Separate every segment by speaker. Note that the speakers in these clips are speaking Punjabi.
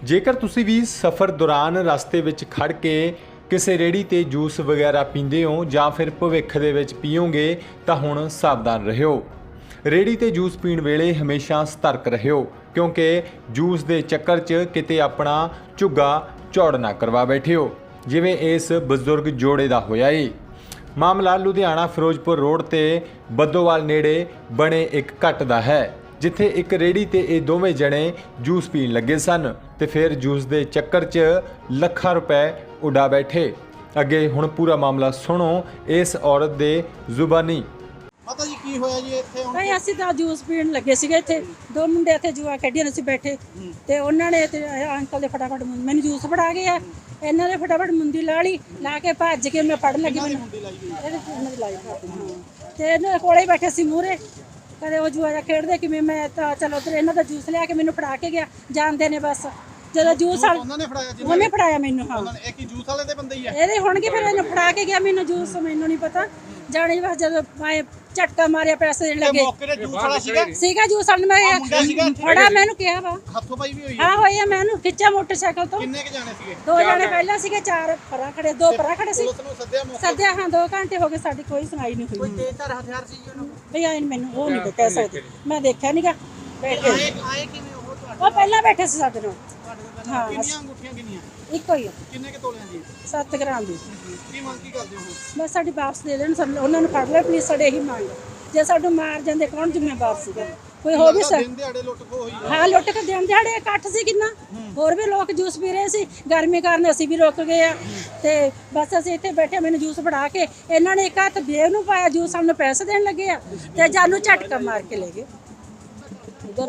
Speaker 1: ਜੇਕਰ ਤੁਸੀਂ ਵੀ ਸਫ਼ਰ ਦੌਰਾਨ ਰਸਤੇ ਵਿੱਚ ਖੜ ਕੇ ਕਿਸੇ ਰੇੜੀ ਤੇ ਜੂਸ ਵਗੈਰਾ ਪੀਂਦੇ ਹੋ ਜਾਂ ਫਿਰ ਭਵਿੱਖ ਦੇ ਵਿੱਚ ਪੀਓਗੇ ਤਾਂ ਹੁਣ ਸਾਵਧਾਨ ਰਹਿਓ। ਰੇੜੀ ਤੇ ਜੂਸ ਪੀਣ ਵੇਲੇ ਹਮੇਸ਼ਾ ਸਤਰਕ ਰਹਿਓ ਕਿਉਂਕਿ ਜੂਸ ਦੇ ਚੱਕਰ 'ਚ ਕਿਤੇ ਆਪਣਾ ਝੁੱਗਾ ਝੌੜ ਨਾ ਕਰਵਾ ਬੈਠਿਓ ਜਿਵੇਂ ਇਸ ਬਜ਼ੁਰਗ ਜੋੜੇ ਦਾ ਹੋਇਆ ਏ। ਮਾਮਲਾ ਲੁਧਿਆਣਾ ਫਿਰੋਜ਼ਪੁਰ ਰੋਡ ਤੇ ਬੱਦੋਵਾਲ ਨੇੜੇ ਬਣੇ ਇੱਕ ਘੱਟ ਦਾ ਹੈ, ਜਿੱਥੇ ਇੱਕ ਰੇੜੀ ਤੇ ਇਹ ਦੋਵੇਂ ਜਣੇ ਜੂਸ ਪੀਣ ਲੱਗੇ ਸਨ ਤੇ ਫਿਰ ਜੂਸ ਦੇ ਚੱਕਰ 'ਚ ਲੱਖਾਂ ਰੁਪਏ ਉਡਾ ਬੈਠੇ। ਅੱਗੇ ਹੁਣ ਪੂਰਾ ਮਾਮਲਾ ਸੁਣੋ ਇਸ ਔਰਤ ਦੇ ਜ਼ੁਬਾਨੀ।
Speaker 2: ਪਤਾ ਜੀ ਕੀ ਹੋਇਆ ਜੀ ਇੱਥੇ ਹੁਣ?
Speaker 3: ਭਾਈ ਅਸੀਂ ਤਾਂ ਜੂਸ ਪੀਣ ਲੱਗੇ ਸੀਗੇ, ਇੱਥੇ ਦੋ ਮੁੰਡੇ ਇੱਥੇ ਜੂਆ ਖੇਡੀਆਂ ਸੀ ਬੈਠੇ ਤੇ ਉਹਨਾਂ ਨੇ ਤੇ ਅੰਕਲ ਦੇ ਫਟਾਫਟ ਮੈਨੂੰ ਜੂਸ ਫੜਾ ਗਏ ਆ। ਇਹਨਾਂ ਨੇ ਫਟਾਫਟ ਮੁੰਦੀ ਲਾ ਲਈ, ਲਾ ਕੇ ਭੱਜ ਕੇ ਮੈਂ ਫੜਨ ਲੱਗੀ ਮੈਨੂੰ ਇਹਦੇ ਉਹਨਾਂ ਦੀ ਲਾਈ ਤੇ ਇਹਨਾਂ ਕੋਲੇ ਹੀ ਬੈਠੇ ਸੀ ਮੂਹਰੇ। ਕਦੇ ਉਹ ਜੂਆ ਖੇਡਦੇ ਕਿਵੇਂ, ਮੈਂ ਤਾਂ ਚਲੋ ਉੱਧਰ ਇਹਨਾਂ ਦਾ ਜੂਸ ਲਿਆ ਕੇ ਮੈਨੂੰ ਫੜਾ ਕੇ ਗਿਆ, ਜਾਣਦੇ ਨੇ ਬਸ। ਜਦੋਂ ਜੂਸ ਉਹਨੇ ਫੜਾਇਆ ਮੈਨੂੰ। ਹਾਂ
Speaker 2: ਇਹ ਕੀ ਜੂਸ ਵਾਲੇ ਦੇ ਬੰਦੇ ਹੀ ਆ?
Speaker 3: ਇਹਦੇ ਹੋਣਗੇ, ਫਿਰ ਇਹਨੂੰ ਫੜਾ ਕੇ ਗਿਆ ਮੈਨੂੰ ਜੂਸ, ਮੈਨੂੰ ਨਹੀਂ ਪਤਾ ਜਾਣੀ ਬਸ। ਜਦੋਂ ਮੈਂ ਝਟਕਾ ਮਾਰਿਆ ਪੈਸੇ ਦੇਣ ਲੱਗੇ
Speaker 2: ਮੌਕੇ ਤੇ ਜੂਸ ਵਾਲਾ
Speaker 3: ਸੀਗਾ ਜੂਸ ਵਾਲਾ, ਮੈਂ ਫੜਾ ਮੈਨੂੰ ਕਿਹਾ ਵਾ
Speaker 2: ਹੱਥੋਂ ਪਾਈ ਵੀ ਹੋਈ
Speaker 3: ਹਾਂ ਹੋਈ ਆ। ਮੈਨੂੰ ਖਿੱਚਿਆ ਮੋਟਰਸਾਈਕਲ ਤੋਂ।
Speaker 2: ਕਿੰਨੇ ਕ ਜਾਣੇ ਸੀਗੇ?
Speaker 3: ਦੋ ਜਾਣੇ ਪਹਿਲਾਂ ਸੀਗੇ, ਚਾਰ ਪਰਾਂ ਖੜੇ, ਦੋ ਪਰਾਂ ਖੜੇ ਸੀ।
Speaker 2: ਪੁਲਿਸ ਨੂੰ ਸੱਦਿਆ ਮੌਕੇ?
Speaker 3: ਸੱਦਿਆ ਹਾਂ, 2 ਘੰਟੇ ਹੋ ਗਏ, ਸਾਡੀ ਕੋਈ ਸੁਣਾਈ ਨਹੀਂ ਹੋਈ।
Speaker 2: ਕੋਈ ਤੇਜ਼ਧਾਰ ਹਥਿਆਰ ਸੀ ਜੀ ਉਹਨਾਂ ਕੋਲ?
Speaker 3: ਭਈ ਆਏ ਮੈਨੂੰ ਉਹ ਨਹੀਂ ਕਹਿ ਸਕਦੇ, ਮੈਂ ਦੇਖਿਆ ਨਹੀਂਗਾ ਬੈਠੇ।
Speaker 2: ਆਏ ਕਿਵੇਂ ਉਹ ਤੁਹਾਡੇ?
Speaker 3: ਉਹ ਪਹਿਲਾਂ ਬੈਠੇ ਸੀ ਸਾਡੇ ਨਾਲ।
Speaker 2: ਹਾਂ। ਕਿੰਨੀਆਂ ਅੰਗੂਠੀਆਂ ਕਿੰਨੀਆਂ?
Speaker 3: ਇੱਕੋ ਹੀ ਆ।
Speaker 2: ਕਿੰਨੇ ਕ ਤੋਲਿਆਂ ਦੀ?
Speaker 3: 7 ਗ੍ਰਾਮ ਦੀ।
Speaker 2: ਕੀ ਮੰਗ ਕੀ ਕਰਦੇ ਹੋ?
Speaker 3: ਬਸ ਸਾਡੀ ਵਾਪਸ ਦੇ ਦੇਣ, ਉਹਨਾਂ ਨੂੰ ਫੜ ਲੈ ਪਲੀਜ਼, ਸਾਡੇ ਇਹੀ ਮੰਗ। ਜੇ ਸਾਨੂੰ ਮਾਰ ਜਾਂਦੇ ਕੌਣ ਜ਼ਿੰਮੇਵਾਰ ਸੀਗਾ? ਕੋਈ ਹੋ ਵੀ
Speaker 2: ਦਿਨ ਦਿਹਾੜੇ ਲੁੱਟ ਖੋ ਹੋਈ ਹੈ?
Speaker 3: ਹਾਂ ਲੁੱਟ ਕੇ ਦਿਨ ਦਿਹਾੜੇ ਇਕੱਠ ਸੀ ਕਿੰਨਾ, ਹੋਰ ਵੀ ਲੋਕ ਜੂਸ ਪੀ ਰਹੇ ਸੀ। ਗਰਮੀ ਕਾਰਨ ਅਸੀਂ ਵੀ ਰੁਕ ਗਏ ਆ ਤੇ ਬਸ ਅਸੀਂ ਇੱਥੇ ਬੈਠੇ। ਮੈਨੂੰ ਜੂਸ ਫੜਾ ਕੇ ਇਹਨਾਂ ਨੇ ਇੱਕ ਹੱਥ ਬੇਵ ਨੂੰ ਪਾਇਆ ਜੂਸ, ਸਾਨੂੰ ਪੈਸੇ ਦੇਣ ਲੱਗੇ ਆ ਤੇ ਜਾਨੂੰ ਝਟਕਾ ਮਾਰ ਕੇ ਲੈ ਗਏ।
Speaker 4: इधर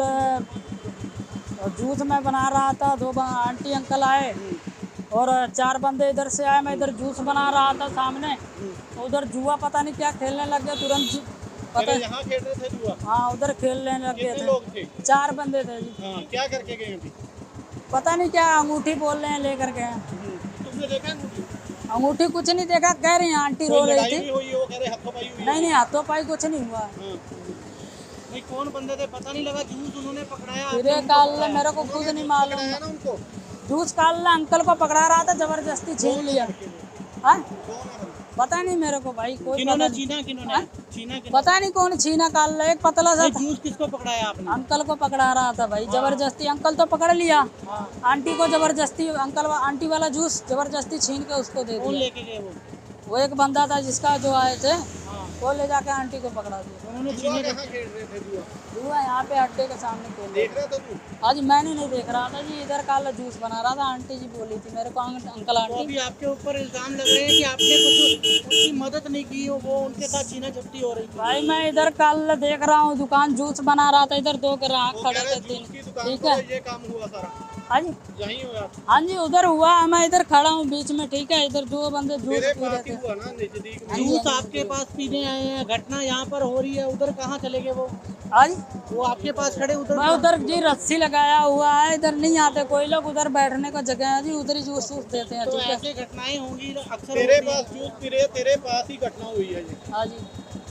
Speaker 4: जूस मैं बना रहा था, 2 आंटी अंकल आए और 4 बंदे इधर से आए। मैं इधर जूस बना रहा था सामने, उधर जुआ पता नहीं क्या खेलने लग गए तुरंत। पता
Speaker 2: यहाँ खेल रहे थे जुआ?
Speaker 4: हाँ, उधर खेलने लग गए
Speaker 2: कितने लोग थे?
Speaker 4: 4 बंदे थे जी।
Speaker 2: हाँ, क्या करके गए अभी?
Speaker 4: पता नहीं क्या अंगूठी बोल रहे हैं लेकर गए।
Speaker 2: तुमने देखा अंगूठी?
Speaker 4: अंगूठी कुछ नहीं देखा, कह रही हैं आंटी रो रही थी।
Speaker 2: हुई है, वो कह रहे हाथों पाई हुई है?
Speaker 4: नहीं हाथों पाई कुछ नहीं हुआ।
Speaker 2: नहीं, कौन बंदे थे पता नहीं लगा। जूस उन्होंने पकड़ाया?
Speaker 4: फिर काल मेरे को खुद नहीं मालूम।
Speaker 2: ना उनको
Speaker 4: जूस काल अंकल को पकड़ा रहा था, जबरदस्ती छीन लिया। हाँ? पता नहीं मेरे को भाई, कोई
Speaker 2: किन्होंने छीना? किन्होंने छीना?
Speaker 4: पता नहीं कौन छीना काल। एक पतला सा था।
Speaker 2: जूस किसको पकड़ाया आपने?
Speaker 4: अंकल को पकड़ा रहा था भाई, जबरदस्ती। अंकल तो पकड़ लिया, आंटी को जबरदस्ती, अंकल आंटी वाला जूस जबरदस्ती छीन के उसको दे
Speaker 2: कौन
Speaker 4: दिया।
Speaker 2: लेके गए
Speaker 4: वो एक बंदा था जिसका जो आए थे, वो ले जाके आंटी को पकड़ा दिया।
Speaker 2: उन्होंने छीने? कहाँ खेल रहे थे जुआ?
Speaker 4: जुआ यहाँ पे अड्डे के सामने खेल रहे
Speaker 2: देख रहा था तू?
Speaker 4: थे। आज मैंने नहीं देख रहा था जी, इधर काल जूस बना रहा था। आंटी जी बोली थी मेरे को, अंकल
Speaker 2: तो
Speaker 4: आंटी।
Speaker 2: अभी आपके ऊपर इल्जाम लग रहे हैं कि आपने कुछ उनकी मदद नहीं की, वो उनके साथ छीना झपटी हो रही थी।
Speaker 4: भाई मैं इधर कल देख रहा हूँ दुकान जूस बना रहा था, इधर 2 ग्राहक खड़े थे,
Speaker 2: जूस की दुकान
Speaker 4: ठीक
Speaker 2: पर
Speaker 4: है।
Speaker 2: ये काम हुआ सारा?
Speaker 4: हाँ जी,
Speaker 2: यहीं हुआ?
Speaker 4: हाँ जी, उधर हुआ। मैं इधर खड़ा हूँ बीच में, ठीक है। इधर 2 बंदे जूस
Speaker 2: मेरे
Speaker 4: पी रहे
Speaker 2: पास ही
Speaker 4: थे।
Speaker 2: हुआ ना, नजदीक में। जूस आपके पास पीने आए हैं, घटना यहाँ पर हो रही है, उधर कहाँ चले गए वो?
Speaker 4: हाँ जी,
Speaker 2: वो आपके पास खड़े उधर?
Speaker 4: मैं उधर जी रस्सी लगाया हुआ है, इधर नहीं आते कोई लोग। उधर बैठने का जगह है जी, उधर ही जूस देते हैं,
Speaker 2: तो
Speaker 4: ठीक है।
Speaker 2: ऐसे घटनाएं होंगी अक्सर। तेरे पास जूस पी रहे, तेरे पास ही घटना हुई है जी?
Speaker 4: हाँ जी,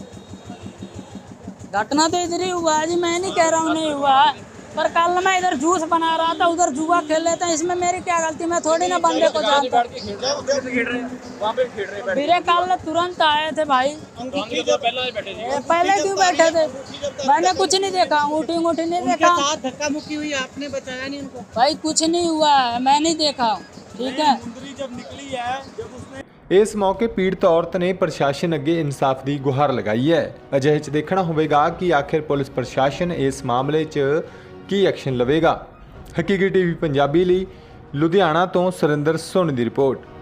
Speaker 4: घटना तो इधर ही हुआ है जी, मैं नहीं कह रहा हूँ नहीं हुआ है, पर कल मैं इधर जूस बना रहा था, उधर जुआ खेल लेते हैं, इसमें मेरी क्या गलती? मैं थोड़ी ना बंदे को जानता। मेरे कल तुरंत आए थे भाई। पहले क्यों बैठे थे? मैंने कुछ नहीं देखा, अंगूठी नहीं देखा।
Speaker 2: धक्का मुक्की हुई, आपने बचाया नहीं उनको?
Speaker 4: भाई कुछ नहीं हुआ है, मैं नहीं देखा, ठीक है।
Speaker 2: जब निकली है, जब उसने
Speaker 1: ਇਸ ਮੌਕੇ ਪੀੜਤ ਔਰਤ ਨੇ ਪ੍ਰਸ਼ਾਸਨ ਅੱਗੇ ਇਨਸਾਫ ਦੀ ਗੁਹਾਰ ਲਗਾਈ ਹੈ। ਅਜਿਹੇ 'ਚ ਦੇਖਣਾ ਹੋਵੇਗਾ ਕਿ ਆਖਿਰ ਪੁਲਿਸ ਪ੍ਰਸ਼ਾਸਨ ਇਸ ਮਾਮਲੇ 'ਚ ਕੀ ਐਕਸ਼ਨ ਲਵੇਗਾ। ਹਕੀਕੀ ਟੀਵੀ ਪੰਜਾਬੀ ਲਈ ਲੁਧਿਆਣਾ ਤੋਂ ਸੁਰਿੰਦਰ ਸੋਨੀ ਦੀ ਰਿਪੋਰਟ।